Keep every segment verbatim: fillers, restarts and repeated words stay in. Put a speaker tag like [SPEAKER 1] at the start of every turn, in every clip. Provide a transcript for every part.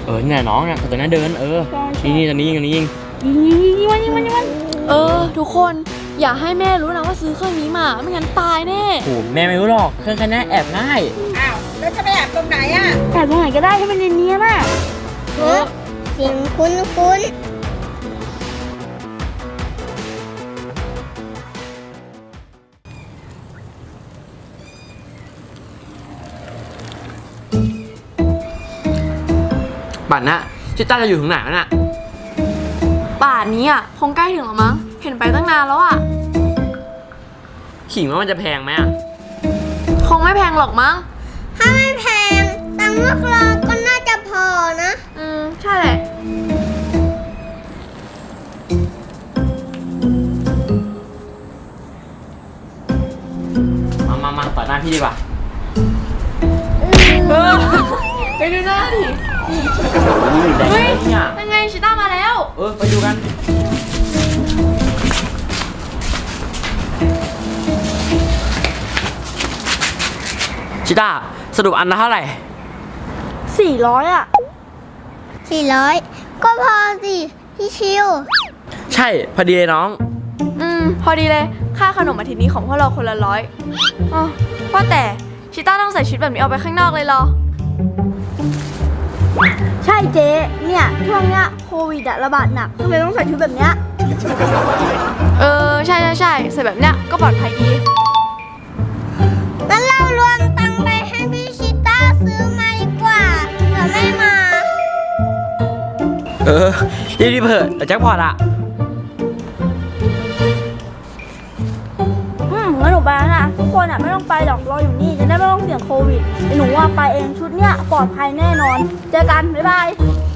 [SPEAKER 1] เออเนี่ยน้องเนี่ยตัวนั้นเดินเออนี่นี่ตัวนี้ยิงตัวนี้ยิง
[SPEAKER 2] ยิงยิงยิงมันยิงมันยิงมัน
[SPEAKER 3] เออทุกคนอย่าให้แม่รู้นะว่าซื้อเครื่องนี้มาไม่งั้นตายแน่
[SPEAKER 1] โอ้แม่ไม่รู้หรอกเครื่องแค่นี้แอบง่าย
[SPEAKER 4] อ้าวแล้วจะไปแอบตรงไหนอ่ะ
[SPEAKER 2] แอบตรงไหนก็ได้ให้มันเนียนๆน่ะ
[SPEAKER 3] เออ
[SPEAKER 2] เสียงคุ้นคุ้น
[SPEAKER 1] บัตรนะชิต้าจะอยู่ถึงไหนวะน่ะ
[SPEAKER 3] ป่านนี้อ่ะคงใกล้ถึงแล้วมั้งเห็นไปตั้งนานแล้วอ่ะ
[SPEAKER 1] ขิงว่ามันจะแพงไหมอ่ะ
[SPEAKER 3] คงไม่แพงหรอกมั้ง
[SPEAKER 2] ถ้าไม่แพงตังค์พวกเราก็น่าจะพอนะ
[SPEAKER 3] อืมใช่แหละ
[SPEAKER 1] มามามาต่อหน้าพี่ดีกว่า
[SPEAKER 3] เออไปดูหน้าดิเฮ้ยยังไงชิต้ามาแล้ว
[SPEAKER 1] เออไปดูกันชิต้าสรุปอันละเท่าไหร่
[SPEAKER 2] สี่ร้อยอ่ะสี่ร้อยก็พอสิพี่ชิว
[SPEAKER 1] ใช่พอดีเลยน้อง
[SPEAKER 3] อืมพอดีเลยค่าขนมอาทิตย์นี้ของพวกเราคนละร้อยอ๋อว่าแต่ชิต้าต้องใส่ชุดแบบนี้ออกไปข้างนอกเลยเหรอ
[SPEAKER 2] ใช่เจ๊เนี่ยช่วงเนี้ยโควิดระบาดหนักทำไมต้องใส่ชุดแบบเนี้ย
[SPEAKER 3] เออใช่ใช่ใช่ใส่แบบเนี้ยก็ปลอดภัยดี
[SPEAKER 2] งั้นเรารวมตังค์ไปให้พี่ชิต้าซื้อมาดีกว่าเผื่อไม่มา
[SPEAKER 1] เออรีบรีบเถิดแต่แจ็คพอตอ่ะ
[SPEAKER 2] อืมงั้นหนูไปแล้วนะทุกคนอ่ะไม่ต้องไปหรอกรออยู่นี่จะได้ไม่ต้องเสี่ยงโควิดหนูว่าไปเองชุดเนี้ยปลอดภัยแน่นอนเจอกันบ๊ายบาย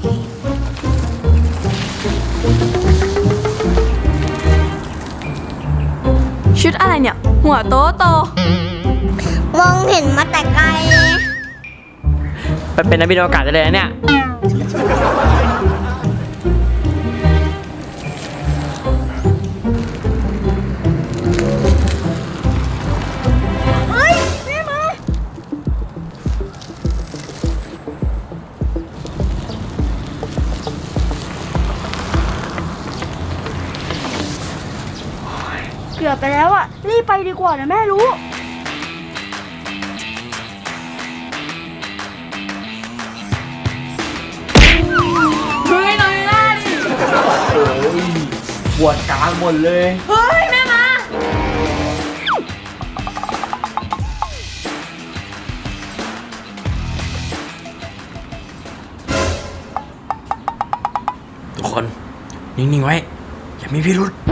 [SPEAKER 3] ชุดอะไรเนี่ยหัวโตโต
[SPEAKER 2] มองเห็นมาแต่ไกล
[SPEAKER 1] ไปเป็นนักบินอวกาศได้เลยนะเนี่ย
[SPEAKER 2] เฮ้ยแม่มาเกือบไปแล้วอ่ะรีบไปดีกว่านะแม่รู้
[SPEAKER 1] ปวดกลางหมดเลย
[SPEAKER 3] เฮ้ยแม่มา
[SPEAKER 1] ทุกคนนิ่งๆไว้อย่ามีพิรุธ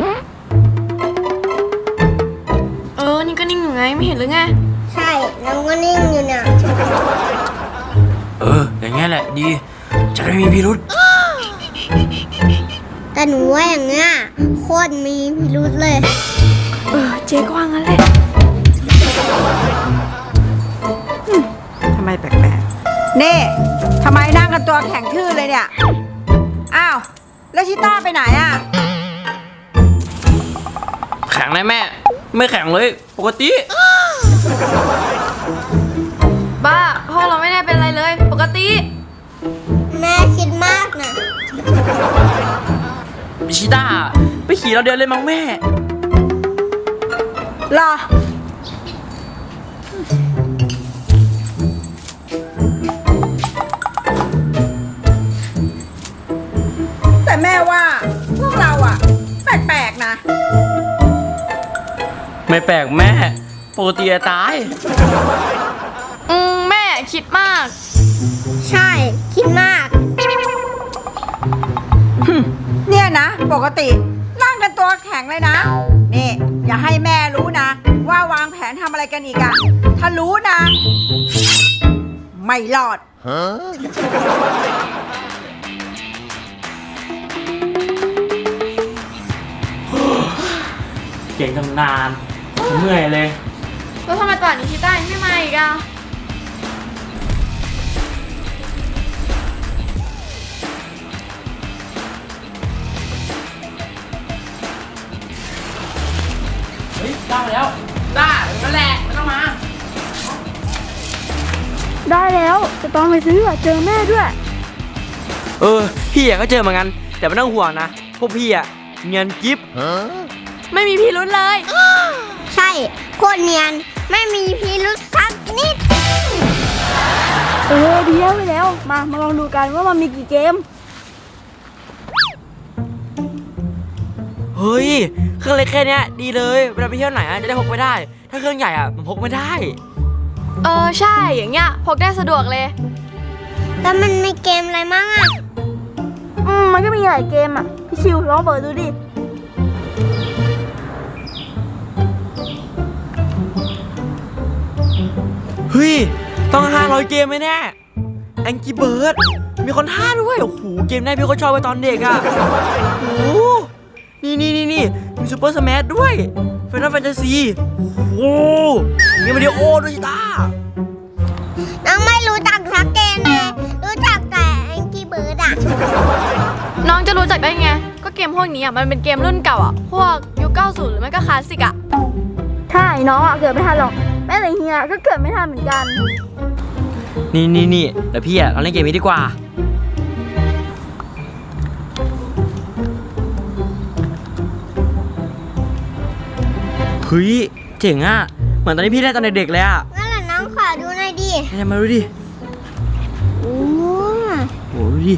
[SPEAKER 3] เออนี่ก็นิ่งอยู่ไงไม่เห็นหรือไง
[SPEAKER 2] ใช่เราก็นิ่งอยู่เนี่ย
[SPEAKER 1] เอออย่างงี้แหละดีจะได้มีพิรุธ
[SPEAKER 2] แต่หนูว่าอย่างเงี้ยโคตรมีพิรุธเลย
[SPEAKER 3] เออเจ๊ก็ว่างั้นแหละ
[SPEAKER 4] ทำไมแปลกๆนี่ทำไมนั่งกันตัวแข็งทื่อเลยเนี่ยอ้าวแล้วชิต้าไปไหนอ่ะ
[SPEAKER 1] แข็งเลยแม่ไม่แข็งเลยปกติ
[SPEAKER 3] บ้าพ่อเราไม่ได้เป็นอะไรเลยปกติ
[SPEAKER 2] แม่คิดมากนะ
[SPEAKER 1] ชิต้าไปขี่เราเดินเลยมั้งแม่
[SPEAKER 4] รอแต่แม่ว่าพวกเราอะแปลกๆนะ
[SPEAKER 1] ไม่แปลกแม่ปกติจะตาย
[SPEAKER 3] อืมแม่คิดมาก
[SPEAKER 2] ใช่คิดมาก
[SPEAKER 4] เนี่ยนะปกตินั่งกันตัวแข็งเลยนะนี่อย่าให้แม่รู้นะว่าวางแผนทำอะไรกันอีกอะถ้ารู้นะไม่รอด
[SPEAKER 1] เก่งทำนานเมื่อยเลย
[SPEAKER 3] แล้วทำไมตอนนี้ชิต้ายังไม่มาอีกอะ
[SPEAKER 1] เฮ้ยได้แล้วได้นั่นแหละไม่ต้องมา
[SPEAKER 2] ได้แล้วจะต้องไปซื้อเจอแม่ด้วย
[SPEAKER 1] เออพี่อะก็เจอเหมือนกัน แต่ไม่ต้องห่วงนะ พวกพี่อะเนียนกิ๊บ
[SPEAKER 3] ไม่มีพิรุธเลย
[SPEAKER 5] ใช่โคตรเนียนไม่มีพิรุษสักนิด
[SPEAKER 2] เออดีแล้วไปแล้ว มามาลองดูกันว่ามันมีกี่เกม
[SPEAKER 1] เฮ้ยเครื่องเล็กแค่เนี้ยดีเลยเวลาไปเที่ยวไหนอะจะได้พกไปได้ ถ้าเครื่องใหญ่อะมันพกไม่ได้
[SPEAKER 3] เออใช่อย่างเงี้ยพกได้สะดวกเลย
[SPEAKER 5] แล้วมันมีเกมอะไรมั่งอ่ะ
[SPEAKER 2] อืมมันก็มีหลายเกมอ่ะ พี่ชิวลองเปิดดูดิ
[SPEAKER 1] เฮ้ยต้องห้าร้อยเกมไหมเนี่ยแองกี้เบิร์ดมีคนท่าด้วยโอ้โหเกมแรกพี่ก็ชอบไปตอนเด็กอะโอ้โหนี่นี่นี่นี่มีซูเปอร์สแมชด้วยเฟนตาแฟนตาซีโอ้โหมีวิดีโอด้วยชิต้า
[SPEAKER 5] น้องไม่รู้จักสักเกมเลยรู้จักแต่แองกี้เบิร์ดอ่ะ
[SPEAKER 3] น้องจะรู้จักได้ไง ก็เกมพวกนี้อ่ะมันเป็นเกมรุ่นเก่าอ่ะ พวกยุคเก้าสิบหรือไม่ก็คลาสสิกอ่ะ
[SPEAKER 2] ใช่น้องอ่ะเกิดไม่ทันหรอก แม่แต่เฮียก็เกิดไม่ทันเหมือนกัน
[SPEAKER 1] นี่นี่นี่เดี๋ยวพี่อะเราเล่นเกมนี้ดีกว่าเฮ้ยเจ๋งอะเหมือนตอนที่พี่เล่นตอนเด็กๆเลยอะ
[SPEAKER 5] งั้นแหละน้องขอดูหน่อยดิ
[SPEAKER 1] ให้มาดูดิ
[SPEAKER 5] โอ้
[SPEAKER 1] โอ้ดูดิ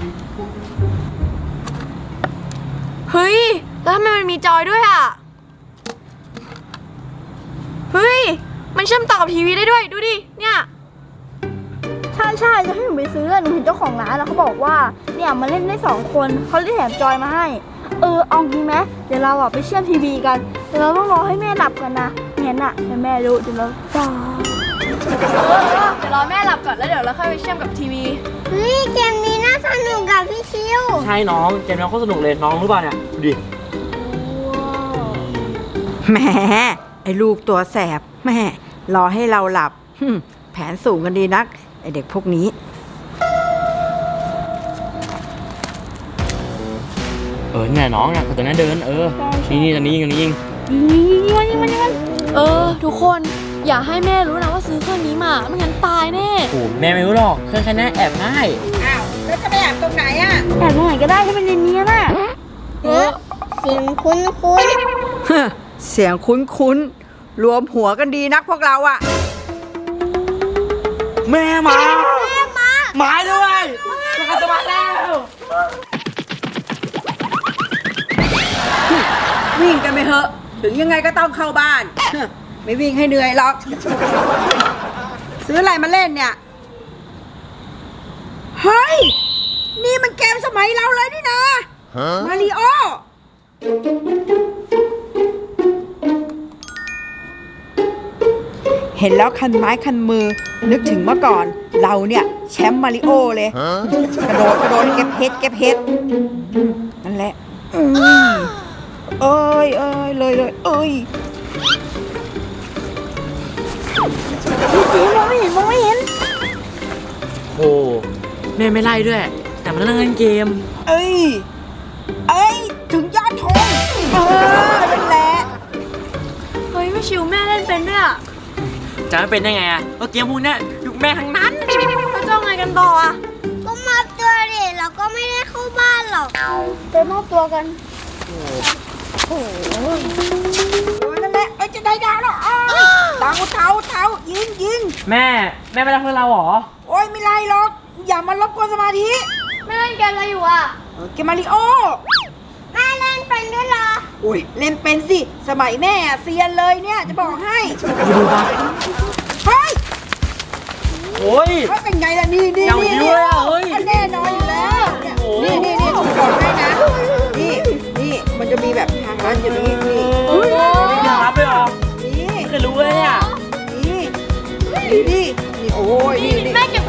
[SPEAKER 3] เฮ้ย แล้วทำไมมันมีจอยด้วยอ่ะ เฮ้ย มันเชื่อมต่อกับทีวีได้ด้วย ดูดิ เนี่ย
[SPEAKER 2] ใช่ใช่จะให้หนูไปซื้อหนูเห็นเจ้าของร้านแล้วเขาบอกว่าเนี่ยมาเล่นได้สองคนเขาได้แถมจอยมาให้ เออเอางี้ไหมเดี๋ยวเราอ่ะไปเชื่อมทีวีกันแต่เราต้องรอให้แม่หลับกันนะงั้นอ่ะเดี๋ยวแม่รู้เดี๋ยวเราจ้า
[SPEAKER 3] เออเดี๋ยวรอแม่หลับก่อนแล้วเดี๋ยวเราค่อยไปเชื่อมกับทีวี
[SPEAKER 5] เฮ้ยเกมนี้น่าสนุกกับพี่ชิว
[SPEAKER 1] ใช่น้องเกมน้องโคตรสนุกเลยน้องรู้ป่ะเนี่ยดูดิ
[SPEAKER 4] แหมไอ้ลูกตัวแสบแม่รอให้เราหลับหึ่มแผนสูงกันดีนัก ไอเด็กพวกนี้
[SPEAKER 1] เออเนี่ยน้องเนี่ยตัวนั้นเดินเออนี่นี่ตอนนี้ยิงตอนนี้ยิง
[SPEAKER 2] ยิงมันยิงมันยิงมัน
[SPEAKER 3] เออ ทุกคนอย่าให้แม่รู้นะว่าซื้อเครื่องนี้มาไม่งั้นตายแน่
[SPEAKER 1] โอ้แม่ไม่รู้หรอกเครื่องแค่นี้แอบง่าย
[SPEAKER 4] อ้าว แล้วจะไปแอบตรงไหนอ่ะ
[SPEAKER 2] แอบตรงไหนก็ได้ให้มันเนียนๆน่ะ
[SPEAKER 5] เฮ้ยเสียงคุ้นคุ้น
[SPEAKER 4] เสียงคุ้นๆ รวมหัวกันดีนักพวกเราอ่ะ
[SPEAKER 1] แม่มาแม่มาหมายด้วยจะกลับมาแล้ว
[SPEAKER 4] วิ่งกันไปเถอะ ถึงยังไงก็ต้องเข้าบ้าน ไม่วิ่งให้เหนื่อยหรอก ซื้ออะไรมาเล่นเนี่ย เฮ้ย นี่มันเกมสมัยเราเลยนี่นะมาริโอ เห็นแล้วคันไม้คันมือ นึกถึงเมื่อก่อน เราเนี่ยแชมป์มาริโอเลย กระโดดกระโดดเก็บเพชรเก็บเพชรนั่นแหละอืมเอ้ยเอ้ยเลยเลยเอ้ย
[SPEAKER 2] จีมองไม่เห็นมองไม่เห็น
[SPEAKER 1] โอ้แม่ไม่ไล่ด้วย แต่มันนั่งเล่นเกม
[SPEAKER 4] เอ้ย เอ้ย ถึงยอดธงเออ นั่นแหละ
[SPEAKER 3] เฮ้ยไม่ชิวแม่เล่นเป็นด้วยอ่ะ
[SPEAKER 1] จะไม่เป็นได้ไงอะก็เกมพวกเนี้ยยุคแม่ทั้งนั้น
[SPEAKER 3] แล้วจะเอาไงกันต่ออ่ะ
[SPEAKER 5] ก็มอบตัวดิเราก็ไม่ได้เข้าบ้านหรอก
[SPEAKER 2] ไปมอบตัวกัน
[SPEAKER 4] เออนั่นแหละ เอ้ย จะได้ดาวแล้วอ้าวเท้าเท้าเท้ายิงยิง
[SPEAKER 1] แม่แม่ไม่รักเพื่อนเราหรอ
[SPEAKER 4] โอ้ย ไม่ไรหรอก อย่ามารบกวนสมาธิ
[SPEAKER 3] แม่เล่นเกมอะไรอยู่อ่ะ
[SPEAKER 4] เออเกมมาริโอ
[SPEAKER 5] แม่เล่นเป็นด้วยเหรอ
[SPEAKER 4] โอ้ย เล่นเป็นสิ สมัยแม่อะเซียนเลยเนี่ย จะบอกให้
[SPEAKER 1] ดูดูปะ
[SPEAKER 4] เฮ้ย
[SPEAKER 1] โอ้ย
[SPEAKER 4] เฮ้ยเป็นไงล่ะ นี่นี่
[SPEAKER 1] อย่าง
[SPEAKER 4] นี่
[SPEAKER 1] นี้เลยอะเฮ้ย
[SPEAKER 4] มันแน่นอนอยู่แล้วเนี่ย
[SPEAKER 1] โอ้โห
[SPEAKER 4] นี่นี่นี่ผมบอกให้นะ นี่นี่มันจะมีแบบทางลัดอยู่ตรงนี้นี่
[SPEAKER 1] เฮ้ยอยากรับเลยเหรอ
[SPEAKER 4] นี่
[SPEAKER 1] ไม่เคยรู้เลยเนี่ย
[SPEAKER 4] นี่นี่นี่นี่โอ้ยนี่นี่
[SPEAKER 3] แม่เก็บ